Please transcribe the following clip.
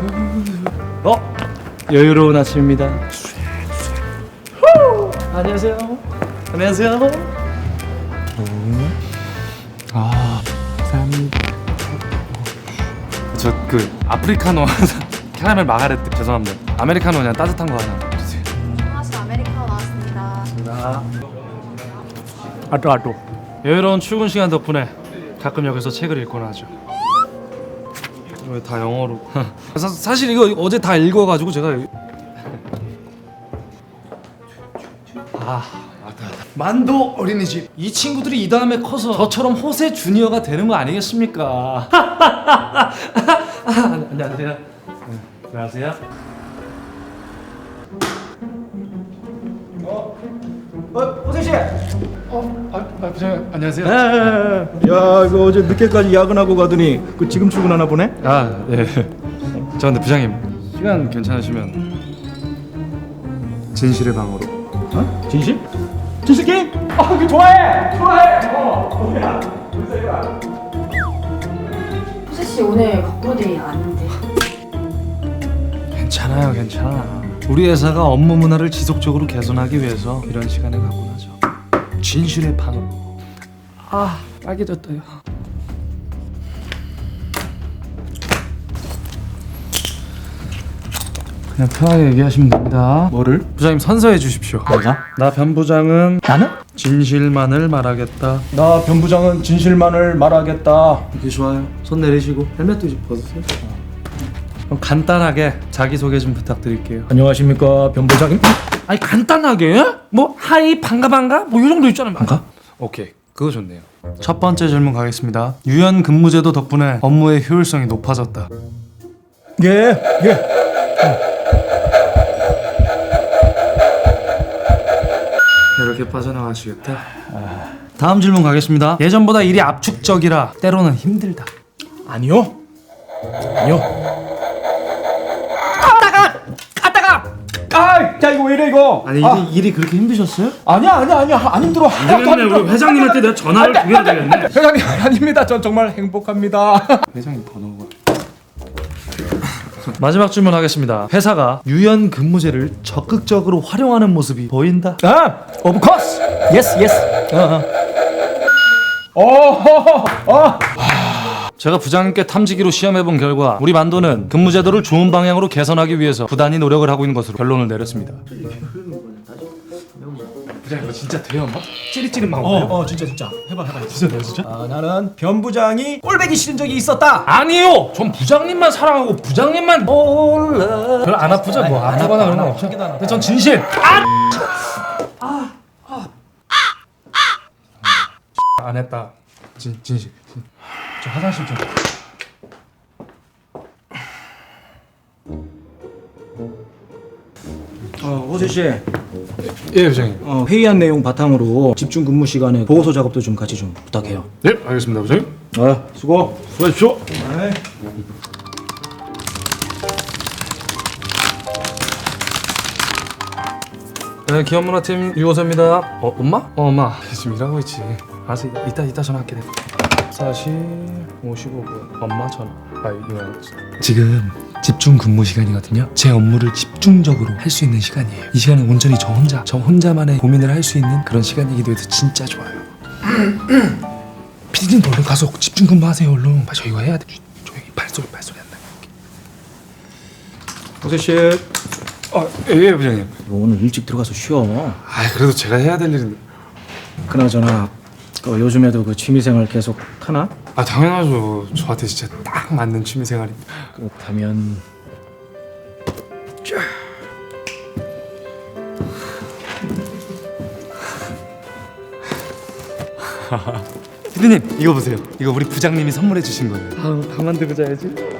여유로운 아침입니다. 안녕하세요. 안녕하세요. 감사합니다. 저 그 아프리카노 캐러멜 마가렛 죄송합니다. 아메리카노 그냥 따뜻한 거 하나 주세요. 하나씩 아메리카노 나왔습니다. 아또 여유로운 출근 시간 덕분에 가끔 여기서 책을 읽곤 하죠. 왜 다 영어로? 사실 이거 어제 다 읽어가지고 제가 만도 어린이집. 이 친구들이 이 다음에 커서 저처럼 호세 주니어가 되는 거 아니겠습니까? 안녕하세요. 안녕하세요. 호세 씨. 부장님 안녕하세요. 야, 이거 어제 늦게까지 야근하고 가더니 그 지금 출근하나 보네. 아 예. 저 근데 부장님 시간 괜찮으시면 진실의 방으로. 어? 진실? 진실 게임? 아, 그 좋아해. 호세 씨 오늘 거꾸로 데이 아닌데. 괜찮아요, 괜찮아. 우리 회사가 업무 문화를 지속적으로 개선하기 위해서 이런 시간을 갖고 나죠. 진실의 방으로. 빨개졌다요. 그냥 편하게 얘기하시면 됩니다. 뭐를? 부장님 선서해 주십시오. 내가? 나 변 부장은 나는? 진실만을 말하겠다. 나 변 부장은 진실만을 말하겠다. 이렇게 좋아요. 손 내리시고 헬멧도 좀 벗으세요. 그럼 간단하게 자기소개 좀 부탁드릴게요. 안녕하십니까, 변 부장님. 아니 간단하게? 뭐 하이 반가 뭐 이 정도 있잖아요. 반가? 오케이 그거 좋네요. 첫 번째 질문 가겠습니다. 유연 근무제도 덕분에 업무의 효율성이 높아졌다. 예. 이렇게 빠져나가시겠다. 다음 질문 가겠습니다. 예전보다 일이 압축적이라 때로는 힘들다. 아니요. 아, 자 이거 왜 이래 이거? 아니 일이 그렇게 힘드셨어요? 아니야, 안 힘들어. 되겠네. 우리 회장님한테 내가 전화를 드려야 되겠네. 회장님 아닙니다. 전 정말 행복합니다. 회장님 번호가 마지막 질문 하겠습니다. 회사가 유연 근무제를 적극적으로 활용하는 모습이 보인다. Of course. Yes. 제가 부장님께 탐지기로 시험해본 결과 우리 만도는 근무제도를 좋은 방향으로 개선하기 위해서 부단히 노력을 하고 있는 것으로 결론을 내렸습니다. 부장님 이거 진짜 돼요 막? 찌릿찌릿 막 오네요. 진짜. 해봐. 진짜. 나는 변 부장이 꼴배기 싫은 적이 있었다. 아니요! 전 부장님만 사랑하고 부장님만 몰라. 별로 안 아프죠? 뭐 아프거나 그런 건 없죠? 근데 전 진실! 안 했다. 진실. 저 화장실 좀. 호세 씨. 예 부장님. 회의한 내용 바탕으로 집중 근무 시간에 보고서 작업도 좀 같이 좀 부탁해요. 네 알겠습니다 부장님. 수고. 수고하십시오. 네, 기업문화팀 유호세입니다. 엄마? 엄마. 지금 일하고 있지. 알았어, 이따 전화할게. 40 55분 엄마 전화. 이거 지금 집중 근무 시간이거든요. 제 업무를 집중적으로 할 수 있는 시간이에요. 이 시간은 온전히 저 혼자만의 고민을 할 수 있는 그런 시간이기도 해서 진짜 좋아요. 피디님 얼른 가서 집중 근무하세요 얼른. 저 이거 해야 돼. 조용히 발소리 안 나게. 호세 씨. 예 부장님. 오늘 일찍 들어가서 쉬어. 그래도 제가 해야 될 일인데. 그나저나 요즘에도 그 취미생활 계속 타나? 당연하죠. 저한테 진짜 딱 맞는 취미생활입니다. 그렇다면 피디님 이거 보세요. 이거 우리 부장님이 선물해 주신 거예요. 다 만들고 자야지.